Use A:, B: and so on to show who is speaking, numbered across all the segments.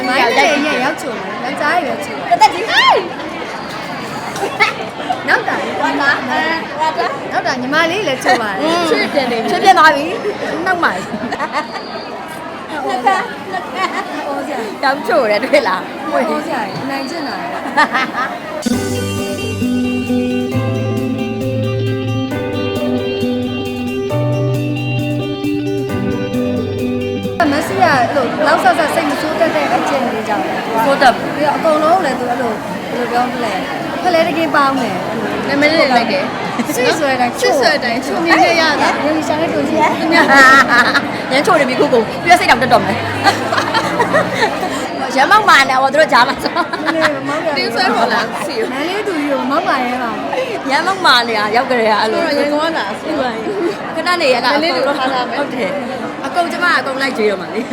A: မိုင်းလေးရဲ့ရောက်ချုံတယ်ယောက်ျားရဲ့ရောက်ချုံ
B: တက်ကြီးဟိုင်း
A: နောက်တာ
B: ဝါတာ
A: နောက်တာညီမလေးလည်းချုံပါတယ်
B: ချွေးတင်နေချွေးပြသွားပြီနောက်မှ
A: ဟောစရာ
B: တောင်ချို့တယ်တွေ့လား
A: ဟောစရာနိုင်ကျင်တာမဆီရအဲ့လိုလောက်ဆော့ဆော့စိတ်မဆိုးတတ်တဲ့အကျင့်လေးကြောင့်
B: ဆိုးတက်
A: ပြီးတော့အကုန်လုံးလည်းသူအဲ့လိုဘယ်လိုပြောမလဲဖလဲတကင်းပေါင်းတယ်
B: နာမည်လေးလိုက်တယ်
A: ဆွေဆွဲတိုင်း
B: ဆွေတိုင်းချုံနေရတာ
A: ရင်းရှာနေတူကြီး
B: ရမ်းချို့တယ်ပြီခုပြည့်စိတ်တောင်တက်တော့မယ်ရမောက်မာနေတော့တို့ကြားမှာဆို
A: တင်းဆွဲပေါ်လာစီမန်းလေးသူကြီးကိုမောက်ပါရဲပါ
B: ရမောက်မာနေတာရောက်ကြရအဲ့လို
A: ရေကောင်းတာစီပါ
B: ခဏနေရတာလေးတို့ထားထားမယ်ဟုတ်တယ်အကုန်ကျမအကုန်လိုက်ကြွေးတော့မှာလေ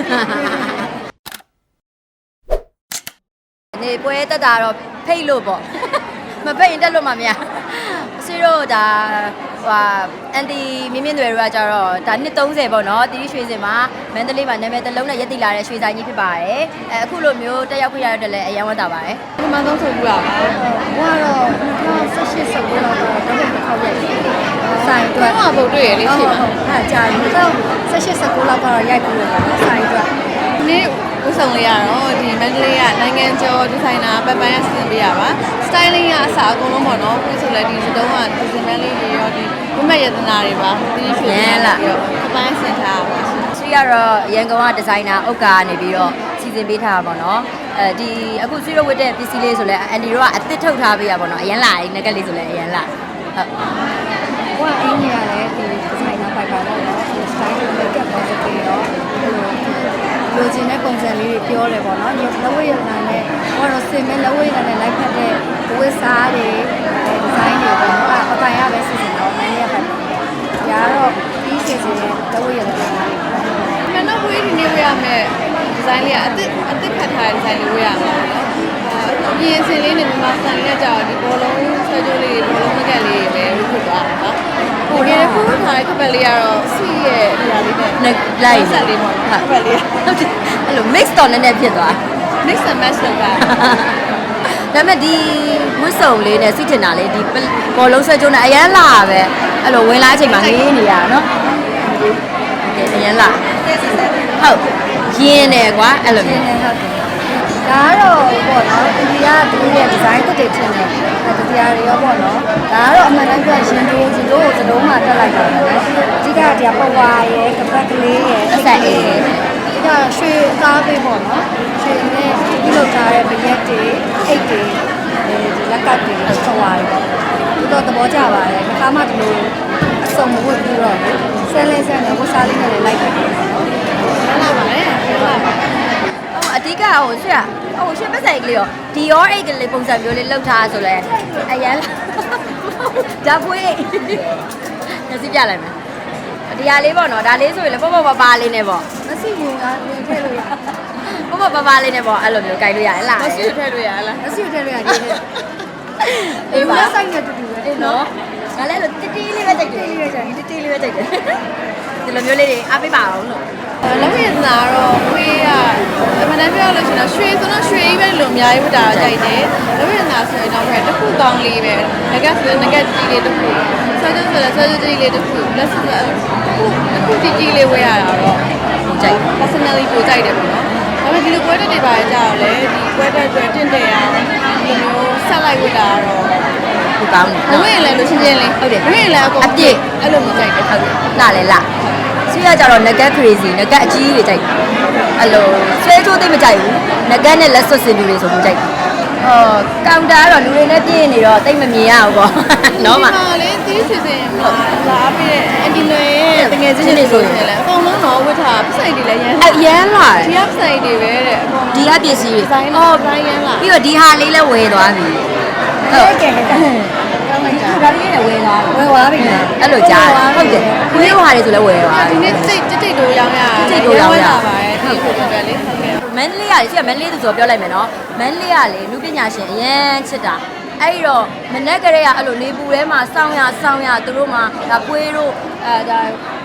B: နေပွဲတက်တာတော့ဖိတ်လို့ပေါ့မဖိတ်ရင်တက်လို့မှမရစီတို့ဒါဟိုအန်တီမြင်းမြင့်တွေတို့ကကြတော့ဒါနှစ်30ပေါ့နော်တီးရွှေစင်မှာမန္တလေးမှာနာမည်တစ်လုံးနဲ့ရက်တိလာတဲ့ရွှေဆိုင်ကြီးဖြစ်ပါတယ်အခုလိုမျိုးတက်ရောက်ခွင့်ရတဲ့လည်းအရင်ဝတ်တာပါတယ်
A: ဒီမှာသုံးဆိုဘူးလားဘာတော့2018 19လောက်တော့တစ်ခေါက်ရိုက်ဆိုင်အတွက်
B: ဘုံတွေ့ရလေးရှိပါ
A: ဟာကြာပြီ2018 19လောက်တော့ရိုက်ပြီးတော့ဆိုင်အတွက်
B: ဒီနေ့ဥဆောင်လေးရတော့ဒီမန္တလေးကနိုင်ငံကျော်ဒီဇိုင်နာပပန်းရစီစဉ်ပေးရပါ styling ကအစားအကုန်လုံးပေါ့နော်ပြီးဆိုလည်းဒီစတုံးကဒီဇင်မန်းလေးတွေရောဒီဝိမက်ရတနာတွေပါဒီရွှေရမ်းလာပြီးတော့ပပန်းဆင်ထားပါဆွေကတော့ရန်ကုန်ကဒီဇိုင်နာဥက္ကာကနေပြီးတော့စီစဉ်ပေးထားတာပေါ့နော်ဒီအခုဆွေတို့ဝတ်တဲ့ပစ္စည်းလေးဆိုလည်းအန်ဒီတို့ကအသစ်ထုတ်ထားပေးရပေါ့နော်အရန်လာငကက်လေးဆိုလည်းအရန်လာ
A: ဟုတ်ဟိုကအင်းကြီးရတယ်ဒီဒီဇိုင်နာပိုက်ပါတော့နော် style လေးကပ်ပေါ်စပေးရောလိုချင်တဲ့ပုံစံလေးတွေပြောတယ်ပေါ့နော်လက်ဝဲရနာနဲ့ဟောတော့စင်မဲ့လက်ဝဲရနာနဲ့လိုက်ဖက်တဲ့ဝတ်စားတွေဒီဇိုင်းတွေပေါ့နော်အပိုင်ရပဲစီစဉ်တော့နိုင်ရပါဒါတော့ဒီစီစဉ်တဲ့လက်ဝဲရနာလေး
B: မနော်ဝေးဒီနေ့ဝေးရမယ်ဒီဇိုင်းလေးကအသစ်ခတ်ထားတဲ့ဒီဇိုင်းလေးဝေးရမှာနော်ပြင်စင်လေးနဲ့မြန်မာစံလေးနဲ့ကြာဒီဘောလုံးဆွဲကြိုးလေးဘောလုံးငကက်လေးပဲဝေးဖြစ်သွားတာနော်ဟိုဒီခုထားတဲ့ခပ်လေးကတော့စီရဲ့ဒီဟာလေးနဲ့လိုက်ဆက်လေးပေါ့ခပ်လေးဟုတ်တယ်အဲ့လို mix တော့နည်းနည်းဖြစ်သွား mix and match လုပ်တာဒါပေမဲ့ဒီဝတ်စုံလေးနဲ့စီတင်တာလေးဒီဘောလုံးဆွဲကြိုးနဲ့အရန်လာပဲအဲ့လိုဝင်လာအချိန်မှာလေးနေရတာနော်အရန်လာဟုတ်ရင်းနေကွာအဲ့လိုမျိုး
A: ဟုတ်တယ်ဒါကတော့ပေါ့နော်ဒီကသူရဲ့ဒီဇိုင်းတက်တယ်ထင်တယ်တရားတွေရောပေါ့နော်ဒါကတော့အမှန်တမ်းပြောရင်တို့စတုံးမှာတက်လိုက်တာပဲအဓိကဒီပဝါရဲ့ကပတ်ကလေးရဲ့
B: အဆက်အေး
A: ဒီကရွှေအသားပေးပေါ့နော်ရွှေနဲ့ပြုလုပ်ထားတဲ့ဗရက်တွေအိတ်တွေဒီလက်ကပ်တွေပဝါတွေပေါ့ဒီတော့သဘောကျပါတယ်ခါမှဒီလိုအစုံမဝတ်ပြီးတော့ဆဲလဲနဲ့ဝတ်စားလေးနဲ့လိုက်တယ်နော်
B: လာပါတယ်ဟုတ်ပါအဓိကဟိုဆွရဟိုရှင်းပဆိုင်ကလေးရောဒီရောအိတ်ကလေးပုံစံမျိုးလေးလောက်ထားဆိုလဲအရန်ဒါပွေးညစီပြလိုက်မယ်ဒီဟာလေးပေါ့နော်ဒါလေးဆိုရင်လည်းပေါ့ပါလေးနဲ့ပေါ့
A: မရှိဘူးကထည့်လို့ရ
B: ပေါ့ပါလေးနဲ့ပေါ့အဲ့လိုမျိုးကြိုက်လို့ရတယ်လားမရှိထည့်လို့ရလား
A: မရှိထည့်လို့ရတယ်အေးပါဆိုင်နဲ့တူတူပဲ
B: အေးနော်ငါလည်းလို့တီတီလေးပဲကြိုက်တယ်တီတီလေးပဲကြိုက်တယ်ဒီလိုမျိုးလေးတွေအားပေးပါအောင်လို့လက်ဝဲနာတော့ဝေးရအမှန်တမ်းပြောလို့ရှိရင်ရွှေဆိုတော့ရွှေကြီးပဲလို့အများကြီးဝတ်တာကြိုက်တယ်လက်ဝဲနာဆိုရင်တော့တစ်ခုကောင်းလေးပဲငကက်ဆိုရင်ငကက်ကြီးလေးတစ်ခုဆွဲကြိုးဆိုလည်းဆွဲကြိုးကြီးလေးတစ်ခုလက်ဆိုလည်းအခုကြီးလေးဝယ်ရတာတော့ကြိုက် personally ကိုကြိုက်တယ်ပေါ့နော်ဒါပေမဲ့ဒီလိုပွဲတက်တွေပါကြတော့လေဒီပွဲတက်တွေတင့်တယ်အောင်ဒီမျိုးဆက်လိုက်ဝတ်တာတော့ဒီကောင်းတယ်ဝယ်ရင်လည်းလို့ချင်းချင်းလေးဟုတ်တယ်ဝယ်ရင်လည်းအကုန်အပြည့်အဲ့လိုမျိုးကြိုက်တယ်ဟုတ်တယ်လာလေလာဆွေးရကြတော့ငကက် crazy ငကက်အကြီးကြီးတွေကြိုက်အဲ့လိုဆွဲချိုးသိမကြိုက်ဘူးငကက်နဲ့လက်စွပ်စင်လူတွေဆိုလို့ကြိုက်ကောင်တာကတော့လူတွေနဲ့ပြည့်နေတော့တိတ်မမြင်ရဘူးပေါ့နော်မလေတီးချစ်စင်လာပြီးအန်ဒီလွယ်ရဲ့တကယ်ချင်းတွေဆိုရင်လည်းအကုန်လုံးတော့ဝတ်ထားပစိုက်တွေလည်းရမ်းလာဒီကပစိုက်တွေပဲတဲ့ဒီကပစ္စည်းတွေအော်ဘိုင်းရမ်းလာပြီးတော့ဒီဟာလေးလည်းဝယ်သွားပြီ
A: ဟုတ်ကဲ့
B: ကောင်းလိုက်တာဒါလေးနဲ့ဝယ်သွား
A: ပြီ
B: အဲ့လိုကြားဟုတ်တယ်ခွေးဟာတွေဆိုလည်းဝယ်သွားဒီနေ့တိတ်တို့ရောင်းရတိတ်တို့ရောင်းရပါတယ်ဟုတ်ကဲ့လေဟုတ်ကဲ့မန္တလေးကလေရှိကမန္တလေးသူဆိုပြောလိုက်မယ်နော်မန္တလေးကလေလူပညာရှင်အရန်ချစ်တာအဲ့တော့မနက်ကလေးကအဲ့လိုနေပူထဲမှာစောင်းရသူတို့မှာဒါပွေးတို့ဒါက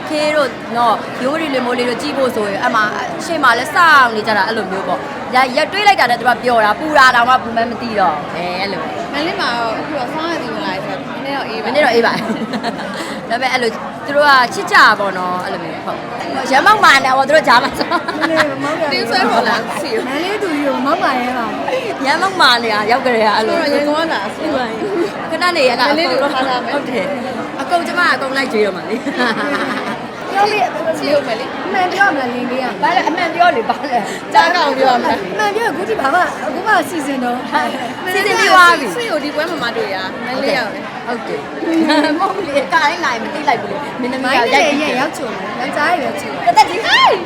B: ခေးတို့နော်ရိုးရီလေမိုးလေးတို့ကြည့်ဖို့ဆိုရင်အမှရှေ့မှာလဲစောင့်နေကြတာအဲ့လိုမျိုးပေါ့ရက်တွေးလိုက်တာနဲ့သူကပျော်တာပူတာတောင်မှဘူးမဲမသိတော့အဲ့လို
C: မလေးမှာတော့အခုတော့ဆောင်းရည်ဝင်လာဆိုတော့နည်းတော့အေးပါ
B: မနေ့တော့အေးပါဒါပေမဲ့အဲ့လိုသူတို့ကချစ်ကြပါတော့အဲ့လိုမျိုးဟုတ်ရမောက်မာနေတော့သူတို့ကြားမှာဆို
A: မလေးမောက်ရ
C: တင်းဆွဲပေါ်လာစီ
A: မလေးတူကြီးကိုမောက်ပါရဲပါ
B: ရမောက်မာနေတာရောက်ကြရအဲ့လို
C: တော့ရေကောင်းလာစီပါ
B: ခဏနေရတာဟုတ်တယ်အကုန်ကျမအကုန်လိုက်ကြွေးတော့မှာလေ
A: ပြောလေ
C: စီဟုတ်မယ်လေ
A: အမှန်ပြောမလားလင်းလေးက
B: ဘာလဲအမှန်ပြောလေဘာလဲ
C: ကြားကောင်ပြောမှာ
A: အမှန်ပြောအခုဒီဘာမှအခုမှစီစဉ်တော့
B: စီစဉ်ပြီးသွားပြီ
C: ဆွေကိုဒီပွဲမှာမတွေ့ရမလေးရောက်တယ်
B: ဟုတ်တယ်မဟုတ်လေကားလိုက်မသိလိုက်ဘူးလေမင်းသမီး
A: မို
B: က
A: င်း
B: ရိုက်
A: လေး
B: ပြီး
A: ရဲ့ရောက်ချုံတယ်ယောက်ျားရဲ့ချုံ
B: တက်ကြီးဟိုင်း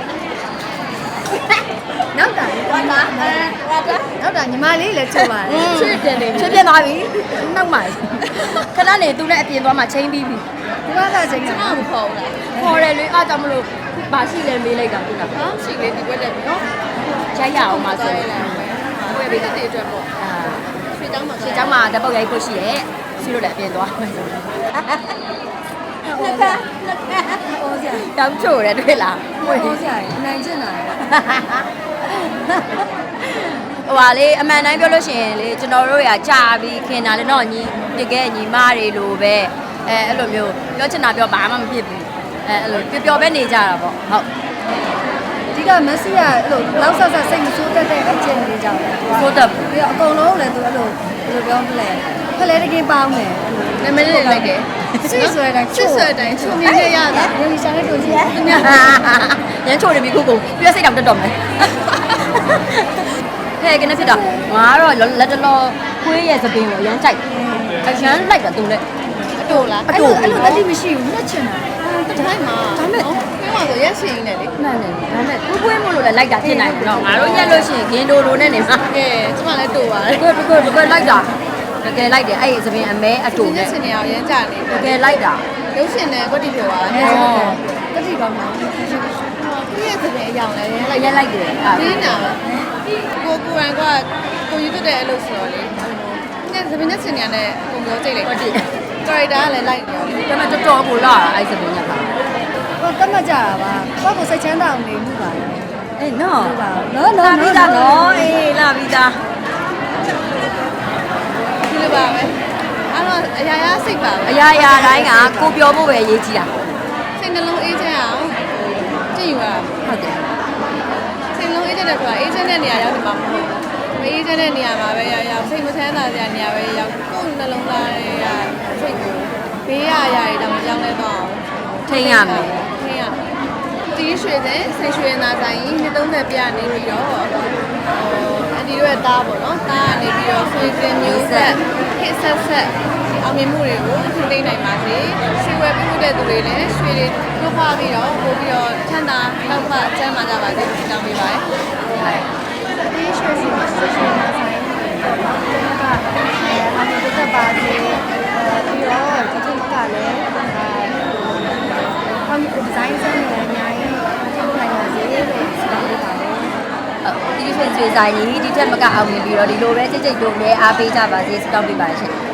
A: နောက်တာ
B: ဝါတာဝါတာ
A: နောက်တာညီမလေးလည်းချုံပါတယ်
B: ချွေပြင်းနေချွေပြင်းသွားပြီနောက်မှခဏနေသူနဲ့အပြင်သွားမှချင်းပြီးပြီ
A: ဒီမှာကချိန်
C: ကျ
A: က
C: မမဖော်ဘူးလား
B: ခေါ်တယ်လေအားကြောင့်မလို့ဘာရှိလဲမေးလိုက်တာခုနက
C: နော်ရှိလေဒီပွဲတက်ပြီနော်
B: ရိုက်ရအောင်ပါဆို
C: လိုက်မယ်ဝယ်ပြီးတဲ့အတွက်ပေါ့ရွှေเจ้าမှာ
B: ဒီเจ้าမှာတပုတ်ရိုက်ဖို့ရှိရဲ့ဆီလို့လည်းအပြင်သွားမယ်ဆိုလက်က
A: ဟောစရာ
B: တောင်းချိုတယ်တွေ့လား
A: ဟောစရာအနိုင်ကျင်တာ
B: ဟိုပါလေအမှန်တိုင်းပြောလို့ရှိရင်လေကျွန်တော်တို့ရာကြာပြီးခင်တာလေတော့ညီတကယ်ညီမတွေလိုပဲအဲ့လိုမျိုးပြောချင်တာပြောဘာမှမဖြစ်ဘူးအဲ့လိုပျော်ပဲနေကြတာပေါ့ဟုတ်
A: အဓိကမက်ဆီကအဲ့လိုလောက်ဆက်ဆက်စိတ်မဆိုးတတ်တဲ့အကျင့်လေးကြောင့်လေ
B: ဆိုတော့
A: ပြီးတော့အကုန်လုံးလည်းသူအဲ့လိုဘယ်လိုပြောမလဲဖလဲတကင်းပေါင်းတယ်အဲ့လို
C: နာမည်လေးလိုက်တယ်
A: ဆွေဆွဲတိုင်း
C: ချစ်ဆွဲတိုင်းချုံနေရတာ
A: ရင်းရှာတဲ့တူကြီး
B: ရမ်းချိုတယ်ပြီခုခုပြည့်စိတ်တောင်တက်တော့မယ်ဟဲ့ကနေဖြစ်တော့ငါကတော့လက်တလောခွေးရဲ့သပင်ကိုရမ်းကြိုက်အရမ်းလိုက်တာသူလည်း
C: အတူလား
A: အဲ့လိုတတိမရှိဘူးနှက်ချင်တာ
C: တိုင်းမှာဒါမဲ့ပြောရဆိုရက်ရှိနေလေ
B: မှန်တယ်ဒါနဲ့ခွေးမို့လို့လည်းလိုက်တာဖြစ်နိုင်တယ်တော့ငါတို့ရက်လို့ရှိရင်ဂင်းဒိုလိုနဲ့နေမှာ
C: ကဲကျမလည်းတူပါတယ်
B: တကယ်လိုက်တာတကယ်လိုက်တယ်အဲ့ဒီသပင်အမဲအတူ
C: ဒီ
B: နဲ့
C: စင်နေအောင်ရမ်းကြနေ
B: တကယ်လိုက်တာ
C: ရုပ်ရှင်နဲ့ကွက်တီပြောပါ
B: ဟော
A: တတိကောင်းတာ
C: သူရဲ့စပင်အယောင်လည်းရမ်း
B: ရက်လိုက်တယ်အဲ့
C: ဒီနာကိုကိုရန်ကကိုယူတက်တဲ့အလုပ်ဆိုတော့လေညစပင်နဲ့စင်နေရတဲ့ပုံပြောကြိတ်လိုက်
B: ဟုတ်တယ်
C: ကာရက်တာကလည်းလိုက်နေတယ်
B: ဒါပေမဲ့တော်တော်ကိုလာအဲ့သပင်ကပါ
A: ဟိုတတ်မှတ်ကြတာပါကိုယ့်ကိုစိတ်ချမ်းသာအောင်နေမှုပါ
B: အေးနော်
A: ဟုတ်ပါနော်
B: လာပြီးသားနော်အေးလာပြီးသား
C: ဒီလိုပါပဲအဲ့တော့အရာရာစိတ်ပါပဲ
B: အရာရာတိုင်းကကိုပြောဖို့ပဲအရေးကြီးတာ
C: စိတ်နှလုံးအေးချမ်းအောင်ကြည့်ယူရ
B: ဟုတ်တယ်
C: စိတ်နှလုံးအေးချမ်းတဲ့ဆိုတာအေးချမ်းတဲ့နေရာရောက်ဒီမှာမဟုတ်ဘူးမအေးချမ်းတဲ့နေရာမှာပဲရောက်စိတ်မချမ်းသာတဲ့နေရာပဲရောက်ကိုယ်နှလုံးသားတွေကစိတ်ကိုဘေးရအရာတွေတော့မကြောက်လဲတော့
B: ထိန်းရမယ်
C: ထိန်းရတီးရွှေတဲ့ဆိတ်ရွှေနာဆိုင်နှစ်30ပြနေပြီးတော့အန်တီတို့ရဲ့တားပေါ့နော်တားကနေပြီးတော့ဆွေစင်မျိုးဆက်ဟစ်ဆက်ဆက်အောင်မြင်မှုတွေကိုထိသိနိုင်ပါစေရွှေဝယ်ပြုတဲ့သူတွေလည်းရွှေတွေနှုတ်ဖပြီးတော့ပို့ပြီးတော့ချမ်းသာလောက်မှကျမ်းမာကြပါစေလို့တောင်းပေးပါတယ်
A: ဒီရွှေစီရွှေနာဆိုင်ကအမေတို့တက်ပါစေပြီးတော့ဒီထုကလည်းဒီဇိုင်းစမ်းနေအများကြီးထုတ်နိုင်ပါစေလို့ဆုတောင်းပေးပါတယ်
B: ဒီရွှေရွှေဆိုင်ကြီးဒီထက်မကအောင်မြင်ပြီးတော့ဒီလိုပဲကြိတ်ကြိတ်တို့လည်းအားပေးကြပါစေစတောင်းပေးပါရှင်